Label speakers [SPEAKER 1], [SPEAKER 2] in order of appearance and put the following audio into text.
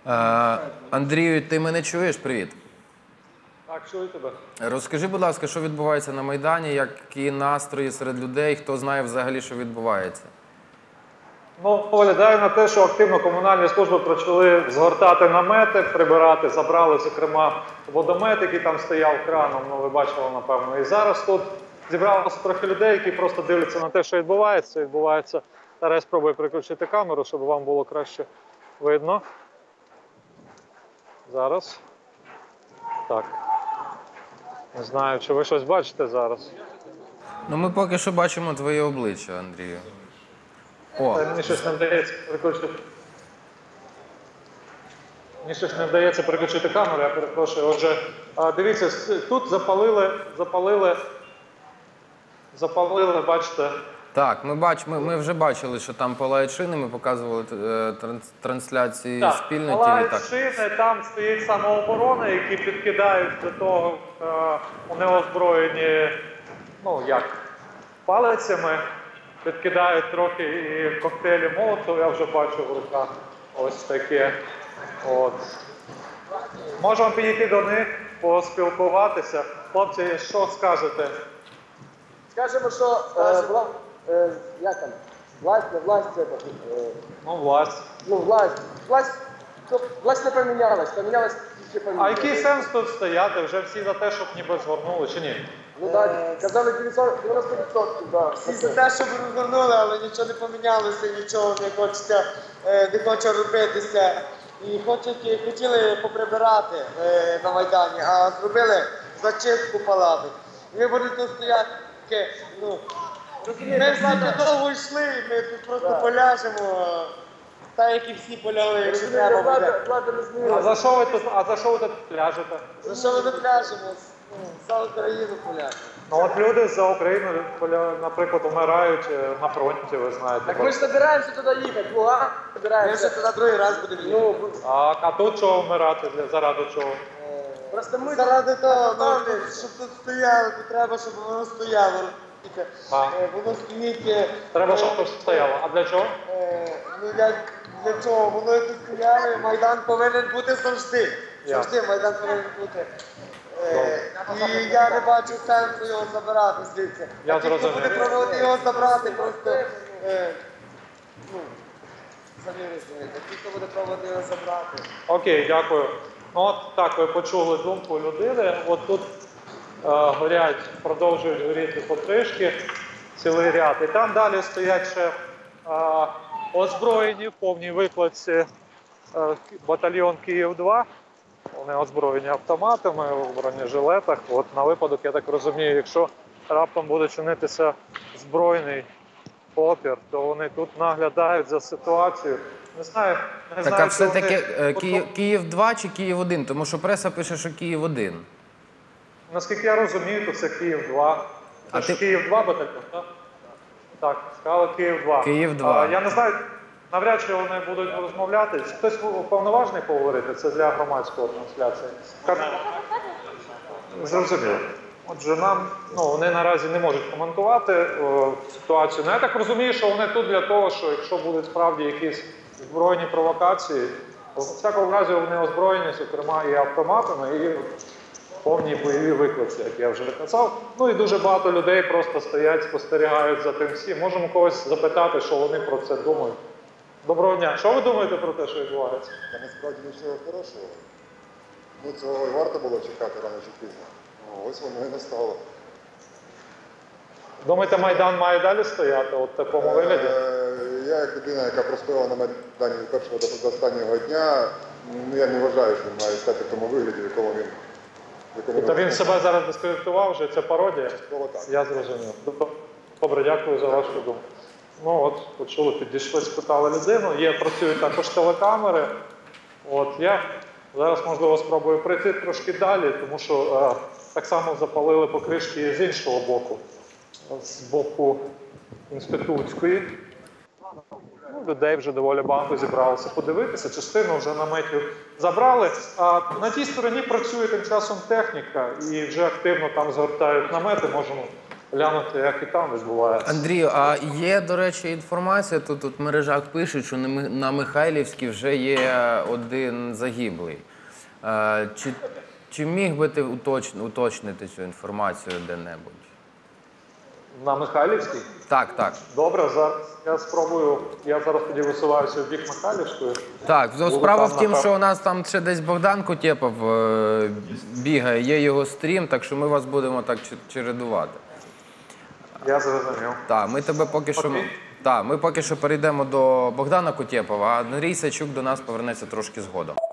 [SPEAKER 1] Андрію, ти мене чуєш? Привіт.
[SPEAKER 2] Так, чую тебе.
[SPEAKER 1] Розкажи, будь ласка, що відбувається на Майдані, які настрої серед людей, хто знає взагалі, що відбувається?
[SPEAKER 2] Ну, виглядає на те, що активно комунальні служби почали згортати намети, прибирати, забрали, зокрема, водомет, який там стояв краном, ну, ви бачили, напевно. І зараз тут зібралося трохи людей, які просто дивляться на те, що відбувається. Зараз я спробую переключити камеру, щоб вам було краще видно. Зараз. Так. Не знаю, чи ви щось бачите зараз.
[SPEAKER 1] Ну, ми поки що бачимо твоє обличчя, Андрію. О,
[SPEAKER 2] Мені щось не вдається переключити. Мені щось не вдається переключити камеру, я перепрошую. Отже, дивіться, тут запалили, бачите.
[SPEAKER 1] так, ми вже бачили, що там палають шини, ми показували трансляції спільно.
[SPEAKER 2] Палають шини, там стоїть самооборона, які підкидають до того, вони озброєні, ну як, палицями, підкидають трохи і коктейлі Молотова, я вже бачу в руках ось таке. От. Можемо підійти до них, поспілкуватися. Хлопці, що скажете?
[SPEAKER 3] Скажемо, що як там? Власть, не власть, це
[SPEAKER 2] Ну, власть.
[SPEAKER 3] власть не помінялась, помінялась тільки помінялась.
[SPEAKER 2] А який сенс тут стояти? Вже всі за те, щоб ніби згорнули, чи ні?
[SPEAKER 3] Ну так, казали 90%, да.
[SPEAKER 4] Всі за те, щоб розгорнули, але нічого не помінялося, нічого не хоче робитися. І хотіли поприбирати на Майдані, а зробили зачистку палати. І ви будете тут стояти, ну, ми всі довго йшли, ми тут просто поляжемо, так як і всі полягли, якщо треба буде.
[SPEAKER 3] Влада не змінилась.
[SPEAKER 2] А за що ви тут пляжете?
[SPEAKER 4] За що ми тут пляжемо? За Україну поляжемо.
[SPEAKER 2] Ну от люди за Україну, наприклад, вмирають на фронті, ви знаєте.
[SPEAKER 3] Так ми ж збираємося туди їхати, Луган,
[SPEAKER 4] Ми
[SPEAKER 3] збираємося.
[SPEAKER 4] вже туди другий раз будемо їхати.
[SPEAKER 3] Ну,
[SPEAKER 2] А тут чого вмирати? Заради чого?
[SPEAKER 3] просто ми
[SPEAKER 4] Заради того, щоб тут стояло, то треба, щоб воно стояло. Воно стоїть.
[SPEAKER 2] Треба, щоб тут стояло. А для чого?
[SPEAKER 4] Ну як для чого? Воно тут стояло, Майдан повинен бути завжди. Завжди Майдан повинен бути. І я не бачу сенсу його забирати звідси.
[SPEAKER 2] Я
[SPEAKER 4] Ті, хто
[SPEAKER 2] зрозумів.
[SPEAKER 4] буде пробувати його забрати, просто ну, самі розумієте. Ті, хто буде пробувати його забрати.
[SPEAKER 2] Окей, дякую. Ну от так, ви почули думку людини. От тут горять, продовжують горіти потрішки, цілий ряд. І там далі стоять ще озброєні в повній викладці батальйон Київ-2. Вони озброєні автоматами, в бронежилетах. От на випадок, я так розумію, якщо раптом буде чинитися збройний опір, то вони тут наглядають за ситуацією. Не знаю,
[SPEAKER 1] так, а
[SPEAKER 2] чи
[SPEAKER 1] все-таки
[SPEAKER 2] вони-
[SPEAKER 1] Київ-2 чи Київ-1? Тому що преса пише, що Київ-1.
[SPEAKER 2] Наскільки я розумію, то це Київ-2.
[SPEAKER 1] А
[SPEAKER 2] Це
[SPEAKER 1] ти-
[SPEAKER 2] ж Київ-2 батальйон, так? Так, сказали Київ-2.
[SPEAKER 1] Київ-2.
[SPEAKER 2] Я не знаю, навряд чи вони будуть розмовляти. Хтось повноважний поговорити, це для громадської трансляції. Зрозуміло. Отже, вони наразі не можуть коментувати ситуацію. Ну, я так розумію, що вони тут для того, що якщо будуть справді якісь збройні провокації, то в всякому разі вони озброєні, зокрема, і автоматами, і повні бойові виклики, як я вже казав. Ну і дуже багато людей просто стоять, спостерігають за тим всім. Можемо когось запитати, що вони про це думають. Доброго дня. Що ви думаєте про те, що відбувається?
[SPEAKER 5] Та насправді нічого хорошого. Ну, цього і варто було чекати рано чи пізно. Ну, ось воно і настало.
[SPEAKER 2] Думаєте, Майдан має далі стояти от в такому вигляді?
[SPEAKER 5] Я як людина, яка простояла на Майдані від першого до останнього дня, я не вважаю, що він має стати в тому вигляді, в якому він...
[SPEAKER 2] Тобто він себе зараз дискредитував вже, це пародія?
[SPEAKER 5] Частково так.
[SPEAKER 2] Я зрозумів. Добре, дякую за вашу думку. Ну от, почули, підійшли, спитали людину. Працюють також телекамери. От, я зараз, можливо, спробую прийти трошки далі, тому що так само запалили покришки з іншого боку, з боку інститутської. Ну, людей вже доволі багато зібралося подивитися, частину вже наметів забрали. А на тій стороні працює тим часом техніка і вже активно там згортають намети. Можемо глянути, як і там відбувається.
[SPEAKER 1] Андрію, а є, до речі, інформація, тут в мережах пишуть, що на Михайлівській вже є один загиблий. Чи міг би ти уточнити цю інформацію де-небудь?
[SPEAKER 2] На Михайлівській?
[SPEAKER 1] Так, так.
[SPEAKER 2] Добре, зараз я спробую. Я зараз тоді висуваюся в бік Михайлівської.
[SPEAKER 1] Так, ну,
[SPEAKER 2] Було
[SPEAKER 1] справа
[SPEAKER 2] там
[SPEAKER 1] в тім,
[SPEAKER 2] напев-
[SPEAKER 1] що у нас там ще десь Богдан Кутєпов бігає, є його стрім, так що ми вас будемо так чередувати.
[SPEAKER 2] Я зрозумів.
[SPEAKER 1] Так, ми тебе поки що.
[SPEAKER 2] Окей.
[SPEAKER 1] Так, ми поки що перейдемо до Богдана Кутєпова, а Андрій Сачук до нас повернеться трошки згодом.